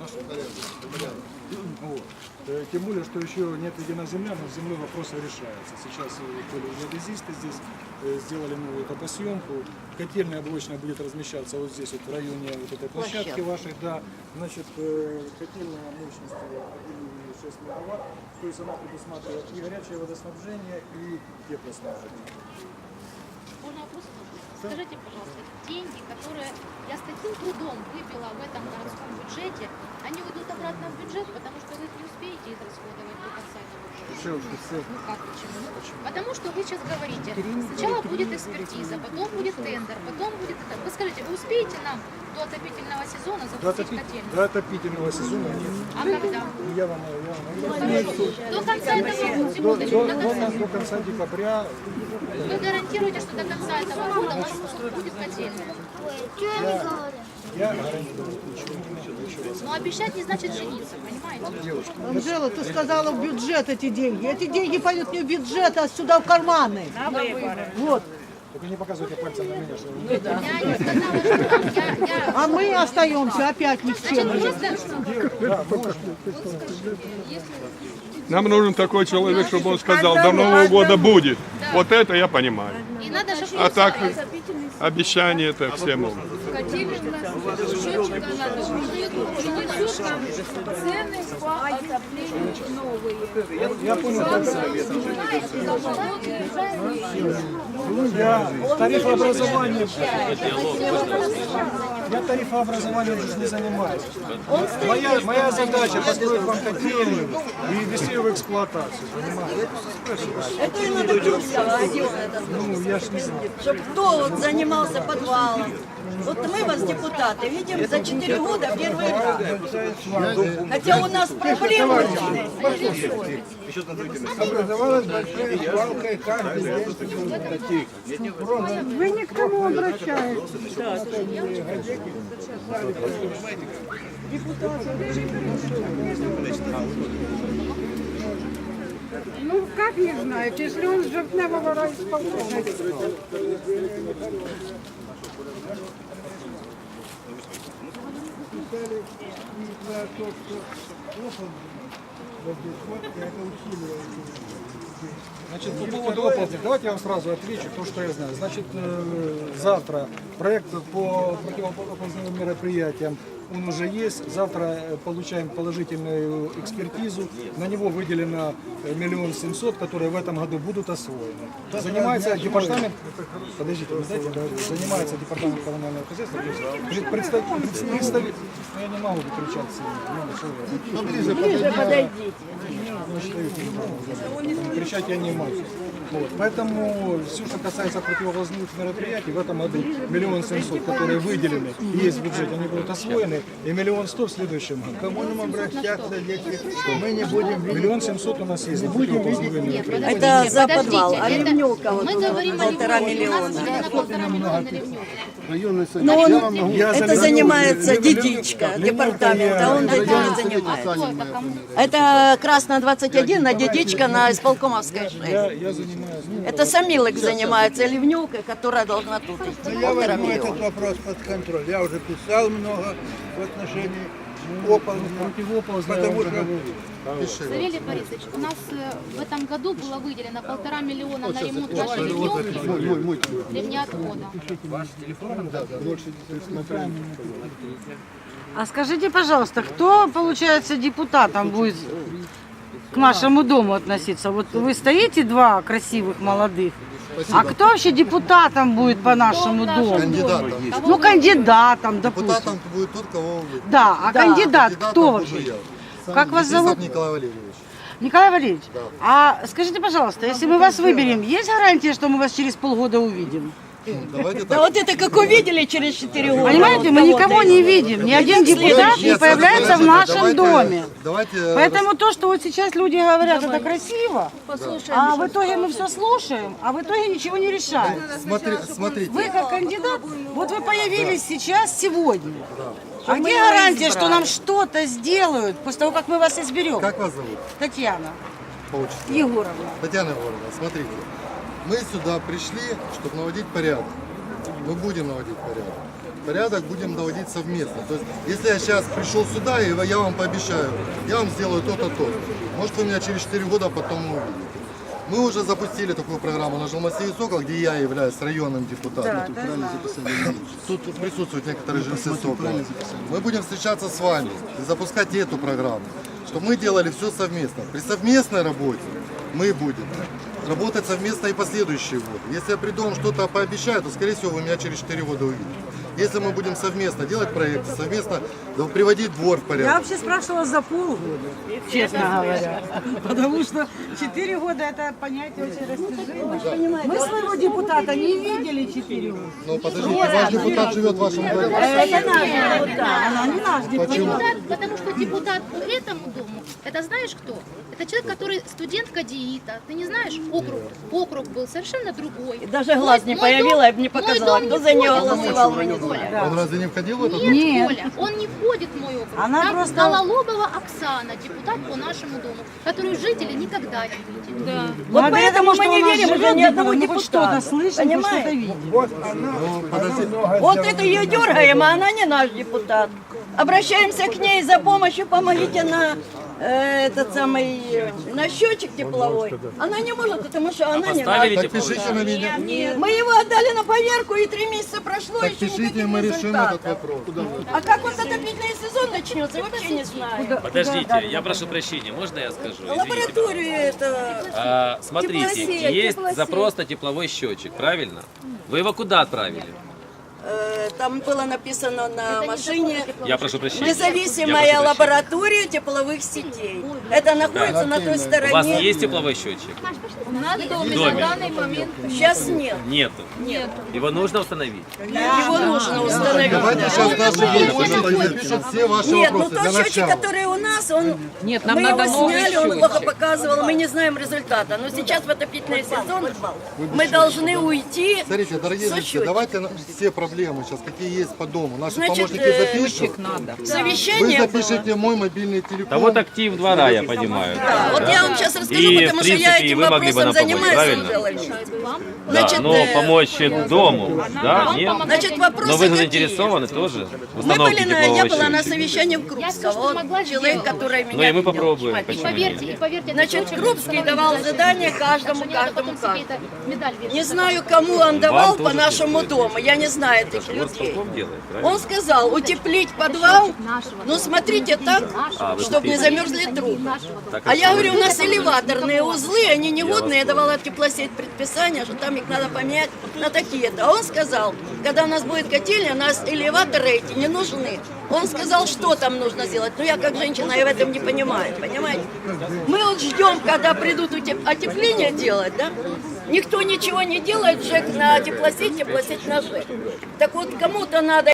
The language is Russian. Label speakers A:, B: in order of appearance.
A: Вот. Тем более, что еще не отведена земля, но с землей вопросы решаются. Сейчас были геодезисты здесь, сделали новую топосъемку. Котельная блочная будет размещаться вот здесь, вот в районе вот этой площадки вашей. Да. Значит, котельная мощностью 1,6 мегаватт, то есть она предусматривает и горячее водоснабжение, и теплоснабжение.
B: Можно вопрос? Скажите, пожалуйста, деньги, которые я с таким трудом выбила в этом городском бюджете, они уйдут обратно в бюджет, потому что вы их не успеете израсходовать до конца этого года? Ну как почему? Потому что вы сейчас говорите, сначала будет экспертиза, потом будет тендер, потом будет... Вы скажите, вы успеете нам до отопительного сезона запустить котельную?
A: До отопительного сезона нет.
B: А когда?
A: Я вам
B: До конца этого года.
A: до конца декабря.
B: Вы гарантируете, что до конца этого года у вас будет котельная?
A: Я гарантирую, ничего не
B: Но обещать не значит жениться, понимаете?
C: Анжела, ты сказала в бюджет эти деньги. Эти деньги пойдут не в бюджет, а сюда в карманы. Вот.
A: Только не показывайте пальцем на меня, что вы...
B: Я не сказала, что
C: А мы остаемся опять ни с чем.
A: Да, можно.
D: Нам нужен такой человек, чтобы он сказал, до Нового года будет. Вот это я понимаю.
B: И надо же
D: А так обещания это все могут.
A: Я понял, я тарифообразованием, уже не занимаюсь. Моя задача построить вам котельную и ввести ее в эксплуатацию, понимаете?
E: Это и надо делать,
A: Ну, я ж не знаю.
E: чтобы кто вот занимался подвалом. Вот мы вас, депутаты, видим за 4 года первый раз. Хотя у нас проблемы.
A: Образовалась большая свалка, и каждый день
C: Вы не к тому обращаетесь. Ну, как не знаете, если он с жертвного райисполкома.
A: Значит, по поводу оплаты, давайте я вам сразу отвечу то, что я знаю. Значит, завтра проект по противооползным мероприятиям, он уже есть. Завтра получаем положительную экспертизу. На него выделено 1 700 000, которые в этом году будут освоены. Занимается департамент, подождите, вы знаете, занимается департамент коммунального хозяйства. Представитель, я не могу кричать сильно.
E: Ближе подойдите.
A: Кричать я не могу. Вот. Поэтому все, что касается противовозных мероприятий, в этом году 1 700 000, которые выделены и есть в бюджете, они будут освоены, и 1 100 000 в следующем году.
F: Кому нам обращаться, если мы не будем...
A: 1 700 000 у нас есть. Противовозные мероприятия.
E: Это за подвал, а
B: это-
E: ливневка вот
B: Мы говорим о
E: 1,5
B: ливневке. У нас
E: миллиона.
B: выделено 1,5 миллиона на ливневку.
F: Районный совет.
E: Но он,
F: Я вам могу...
E: это занимается Дедичка, департамент, а он этим не
B: А
E: занимается.
B: кто это кому?
E: Это Красная 21 на Дедичка на Исполкомовской 6.
A: Я занимаюсь.
E: Это Самилок занимается ливневкой, которая должна тут идти.
F: Я
E: 1,5
F: возьму
E: миллиона.
F: этот вопрос под контроль. Я уже писал много в отношении оползня.
A: Противоползные,
F: Потому
A: я
F: что...
A: уже
B: Савелий Борисович, у нас в этом году было выделено 1,5 миллиона на ремонт вашей ливневки, ливнеотвода.
C: А скажите, пожалуйста, кто, получается, депутатом будет к нашему дому относиться? Вот вы стоите, два красивых молодых, а кто вообще депутатом будет по нашему дому?
G: Кандидатом.
C: Ну, кандидатом, допустим.
G: Депутатом будет тот, кого вы.
C: Да, а кандидат
G: Кандидатом
C: кто
G: буду
C: вообще?
G: я.
C: Как вас
G: Фетисов
C: зовут?
G: Николай Валерьевич.
C: Николай Валерьевич, а скажите, пожалуйста, если мы вас выберем, есть гарантия, что мы вас через полгода увидим?
G: Давайте
E: Да
G: так.
E: вот это как увидели через 4 года.
C: Понимаете, мы никого не видим, ни один депутат не
G: Нет,
C: появляется в нашем
G: давайте-
C: доме.
G: Давайте.
C: Поэтому то, что вот сейчас люди говорят, это красиво, а в итоге мы все слушаем, а в итоге ничего не решаем.
G: Смотрите.
C: Вы как кандидат, вот вы появились сейчас, сегодня. А где гарантия, что нам что-то сделают после того, как мы вас изберем?
G: Как вас зовут?
C: Татьяна
G: По отчеству?
C: Егоровна.
G: Татьяна Егоровна, смотрите. Мы сюда пришли, чтобы наводить порядок. Мы будем наводить порядок. порядок будем доводить совместно. То есть, если я сейчас пришел сюда, и я вам пообещаю, я вам сделаю то-то, то-то. Может, вы меня через 4 года потом увидите. Мы уже запустили такую программу на Жилмассиве Сокол, где я являюсь районным депутатом. Тут присутствуют некоторые жильцы Сокола. Мы будем встречаться с вами и запускать эту программу, чтобы мы делали все совместно. При совместной работе мы будем работать совместно и последующие годы. Если я приду вам что-то пообещаю, то, скорее всего, вы меня через 4 года увидите. Если мы будем совместно делать проекты, совместно приводить двор в
C: Я
G: порядок.
C: вообще спрашивала за полгода, честно говоря. Потому что 4 года это понятие очень растяжимое. Мы своего депутата не видели 4 года.
G: Но подождите, ваш депутат живет в вашем дворе.
C: Это наш депутат, она не наш депутат.
B: Депутат, потому что депутат по этому дому, это знаешь кто? Это человек, который студент КДИТа. Ты не знаешь, округ был совершенно другой.
E: Даже глаз не появила, я бы не показала, кто за нее голосовал, мы не знаем.
G: Он разве не входил в этот?
B: Нет, Коля, он не входит в мой округ.
C: Она
B: Там
C: просто-
B: Гололобова Оксана, депутат по нашему дому, которую жители никогда не видели. Да.
E: Вот
C: Благодаря
E: поэтому
C: тому,
E: мы
C: что
E: не
C: у нас
E: верим уже
C: живет,
E: ни одного
C: мы хоть что-то
E: депутата.
C: слышим, хоть что-то
E: Понимаете?
C: видим.
G: Ну, подождите.
E: Вот это ее дергаем, а она не наш депутат. Обращаемся к ней за помощью, помогите на этот самый на счетчик тепловой. Она не может, потому что она не наша.
G: Так пишите на меня.
E: Мы его отдали на поверку, и 3 месяца прошло,
G: Так
E: еще
G: пишите,
E: никаких
G: мы решим
E: результатов.
G: этот вопрос.
E: А как вот отопительный сезон начнется, вообще не знаю.
H: Подождите, я прошу прощения, можно я скажу? Извините,
E: Лабораторию это...
H: смотрите,
E: Теплосеть,
H: есть
E: теплосеть.
H: запрос на тепловой счетчик, правильно? Вы его куда отправили?
E: Там было написано на машине
H: Я прошу прощения.
E: независимая
H: Я прошу
E: лаборатория тепловых сетей. Это находится на той
H: прощения. У вас
E: стороне.
H: есть тепловой счетчик?
B: У нас в доме
H: доме.
B: на данный момент
E: Сейчас нет.
H: Нету.
E: Нет.
H: Его нужно установить.
E: Его нужно установить.
G: Давайте сейчас наши депутаты напишут все ваши
E: Нет, ну
G: вопросы
E: тот
G: для
E: счетчик,
G: начала.
E: который у нас, он
I: Нет, нам
E: мы
I: надо
E: его
I: новый
E: сняли, он
I: счетчик.
E: плохо показывал, мы не знаем результата. Но сейчас в отопительный сезон мы должны уйти
G: Смотрите, дорогие
E: со
G: зрители,
E: счетчиком.
G: давайте все проблемы сейчас, какие есть по дому. Наши
E: Значит,
G: помощники запишут. Вы
E: Совещание было.
G: запишите мой мобильный телефон.
H: Да вот актив двора, я понимаю.
E: Да, вот я вам сейчас расскажу,
H: И,
E: потому
H: в
E: что я
H: принципе, и
E: этим
H: вы могли бы
E: вопросом
H: нам помочь,
E: занимаюсь,
H: правильно?
E: Анжела Ильич.
H: Да,
E: Значит,
H: но помочь дому, да, нет?
E: значит, вопросы
H: Но вы
E: какие?
H: заинтересованы тоже в
E: Мы
H: установке
E: были на, я
H: теплового
E: была на
H: счетчика?
E: совещании в
B: Я
E: Крупском.
B: всё, что
E: Вот
B: могла,
E: человек,
B: сделала.
E: который меня
H: Ну и мы
E: видел.
H: попробуем,
B: И
H: почему
B: поверьте,
H: нет?
B: это
E: Значит,
B: очень
E: Крупский
B: много.
E: давал задание каждому,
B: Так что не надо
E: каждому,
B: потом себе
E: каждому.
B: это медаль вешать.
E: Не знаю, кому он давал
H: тоже
E: по нашему
H: не
E: дому, я не знаю этих людей.
H: Горсполком делает, правильно?
E: Он сказал, утеплить подвал, но смотрите так,
H: вы
E: чтобы не замерзли трубы.
H: Так,
E: А я говорю, у нас элеваторные узлы, они негодные, я давала теплосеть предписание, что там их надо поменять на такие-то. А он сказал, когда у нас будет котельня, у нас элеваторы эти не нужны. Он сказал, что там нужно сделать. Но я как женщина, я в этом не понимаю, понимаете? Мы вот ждем, когда придут отепление делать, да? Никто ничего не делает, ЖЭК на теплосеть на ЖЭК. Так вот, кому-то надо